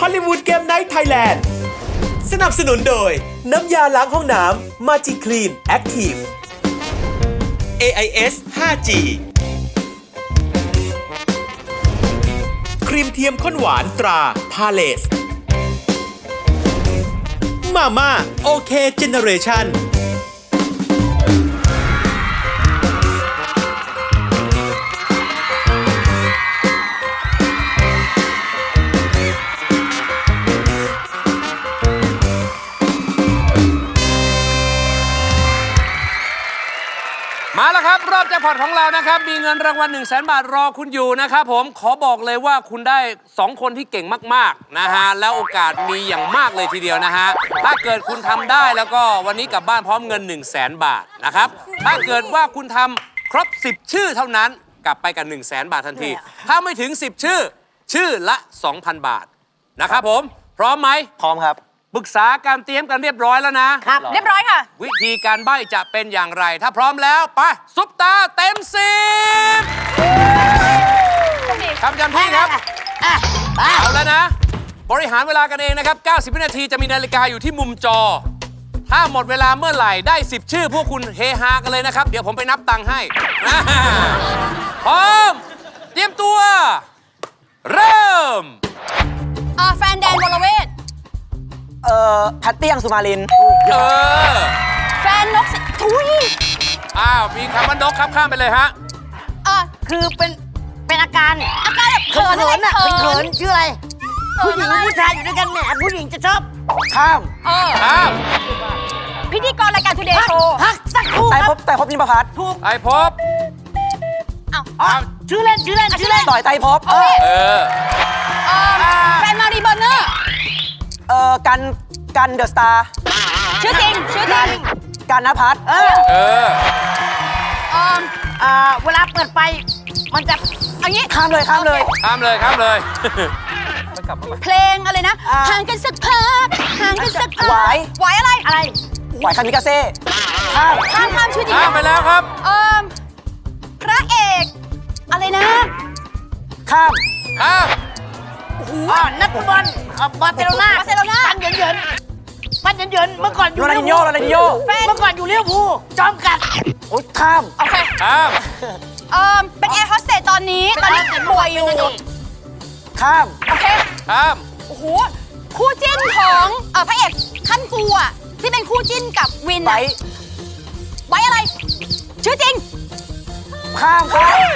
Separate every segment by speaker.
Speaker 1: อลลีวูดเกมไนท์ไทยแลนด์สนับสนุนโดยน้ำยาล้างห้องน้ำมาจิคลีนแอคทีฟ AIS 5G ครีมเทียมข้นหวานตราพาเลสมาม่าโอเคเจเนเรชั่น
Speaker 2: มาแล้วครับรอบแจ็คพอตของเรานะครับมีเงินรางวัล 100,000 บาทรอคุณอยู่นะครับผมขอบอกเลยว่าคุณได้2คนที่เก่งมากๆนะฮะแล้วโอกาสมีอย่างมากเลยทีเดียวนะฮะถ้าเกิดคุณทำได้แล้วก็วันนี้กลับบ้านพร้อมเงิน 100,000 บาทนะครับถ้าเกิดว่าคุณทำครบ10ชื่อเท่านั้นกลับไปกับ 100,000 บาททันทีถ้าไม่ถึง10ชื่อละ 2,000 บาทนะครับผมพร้อมไหม
Speaker 3: พร้อมครับ
Speaker 2: ปรึกษาการเตรียมกันเรียบร้อยแล้วนะครับ
Speaker 4: เรียบร้อยค่ะ
Speaker 2: วิธีการใบ้จะเป็นอย่างไรถ้าพร้อมแล้วไปซุปตาเต็ม10ทำจำที่ครับเอาแล้วนะบริหารเวลากันเองนะครับ90วินาทีจะมีนาฬิกาอยู่ที่มุมจอถ้าหมดเวลาเมื่อไหร่ได้10ชื่อพวกคุณเฮฮากันเลยนะครับเดี๋ยวผมไปนับตังค์ให้พร้อมเตรียมตัวเริ่ม
Speaker 4: แฟนแดนวรเวท
Speaker 3: แพตตี้อังสุมาริน
Speaker 4: แฟนนกทุย
Speaker 2: มีคำว่านกครับข้ามไปเลยฮะ
Speaker 4: คือเป็นอาการแบบเขินน่ะเขิน
Speaker 3: ชื่ออะไรผู้หญิงผู้ชายอยู่ด้วยกันแหมผู้หญิงจะชอบข้าม
Speaker 4: พิธีกรรายการทูเดย์โชว์
Speaker 3: พักสักครู่ไต่พบนิมพัฒน์
Speaker 2: ถูกไต่พบ
Speaker 3: ชื่อเล่นต่อยไต่พบ
Speaker 4: แฟนมารีเบอร์เนอร์
Speaker 3: กันเดอะสตาร์
Speaker 4: ชื่อจริง
Speaker 3: กันณภัทรเวลาเปิดไฟมันจะ
Speaker 4: เอางี้
Speaker 2: ข้ามเลย
Speaker 4: เพลงอะไรนะห่างกันสักพักหวายอะไร
Speaker 3: หวายคามิกาเซ่
Speaker 4: ข้ามชื่อจริง
Speaker 2: ข้ามไปแล้วครับ
Speaker 4: พระเอกอะไรนะ
Speaker 3: ข้าม
Speaker 4: นักบอลบาร์เซโลนาปันเหยินเมื่อก่อนอยู่
Speaker 3: โรนัลดินโญ่
Speaker 4: เมื่อก่อนอยู่ลิเวอร์พูลจอมกัด
Speaker 3: ข้าม
Speaker 4: โอเคเป็นแอร์โฮสเตสตอนนี้ป่วยอยู่
Speaker 3: ข้าม
Speaker 4: โอเคโอ้โหคู่จิ้นของพระเอกขั้นกูอ่ะที่เป็นคู่จิ้นกับวินไว้อะไรชื่อจริง
Speaker 3: ข้าม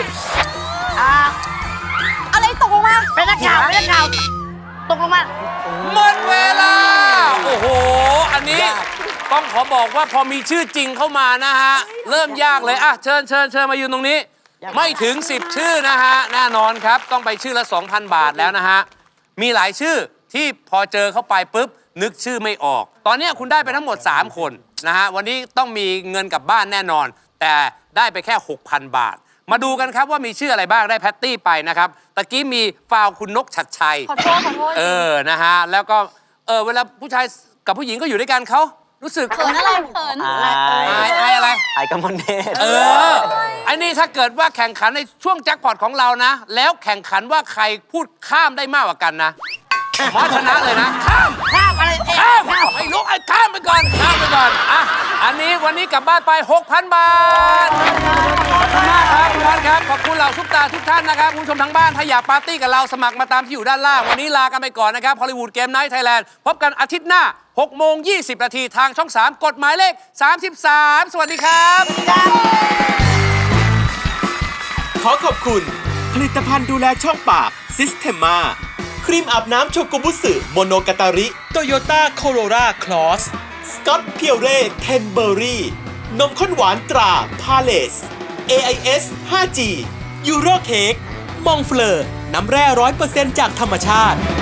Speaker 4: อะไรตกลงมาเป็นนักข่าวตกลงมา
Speaker 2: หมดเวลาโอ้โหอันนี้ต้องขอบอกว่าพอมีชื่อจริงเข้ามานะฮะเริ่มยากเลยเชิญมายืนตรงนี้ไม่ถึง10ชื่อนะฮะแน่นอนครับต้องไปชื่อละ 2,000 บาทแล้วนะฮะมีหลายชื่อที่พอเจอเข้าไปปุ๊บนึกชื่อไม่ออกตอนนี้คุณได้ไปทั้งหมด3คนนะฮะวันนี้ต้องมีเงินกลับบ้านแน่นอนแต่ได้ไปแค่ 6,000 บาทมาดูกันครับว่ามีชื่ออะไรบ้างได้แพตตี้ไปนะครับตะกี้มีฟาวคุณนกชัดชัย
Speaker 4: ขอโทษ
Speaker 2: นะฮะแล้วก็เวลาผู้ชายกับผู้หญิงก็อยู่ด้วยกันเขารู้สึก
Speaker 4: เขินอะไร
Speaker 2: อะไร
Speaker 3: ไอ้กำมลเนต
Speaker 2: ไอ้นี่ถ้าเกิดว่าแข่งขันในช่วงแจ็คพอตของเรานะแล้วแข่งขันว่าใครพูดข้ามได้มากกว่ากันนะหมอชนะเลยนะข้าม
Speaker 3: อะไร
Speaker 2: ไม่รู้ข้ามไปก่อนอันนี้วันนี้กลับบ้านไป 6,000 บาทขอบคุณมากครับคุณบอลครับขอบคุณเหล่าซุปตาทุกท่านนะครับคุณผู้ชมทางบ้านถ้าอยากปาร์ตี้กับเราสมัครมาตามที่อยู่ด้านล่างวันนี้ลากันไปก่อนนะครับฮอลลีวูดเกมไนท์ไทยแลนด์พบกันอาทิตย์หน้า 6:20 นาทีทางช่อง 3 กฎหมายเลข 33 สวัสดีครับ
Speaker 1: ขอขอบคุณผลิตภัณฑ์ดูแลช่องปากซิสเทมมาครีมอาบน้ำโชกุบุสึโมโนกาตาริโตโยต้าโคโรราคลอสสกอตเพียวเร่เทนเบอรี่นมข้นหวานตราพาเลส AIS 5G ยูโรเค้กมองเฟลอร์น้ำแร่ 100% จากธรรมชาติ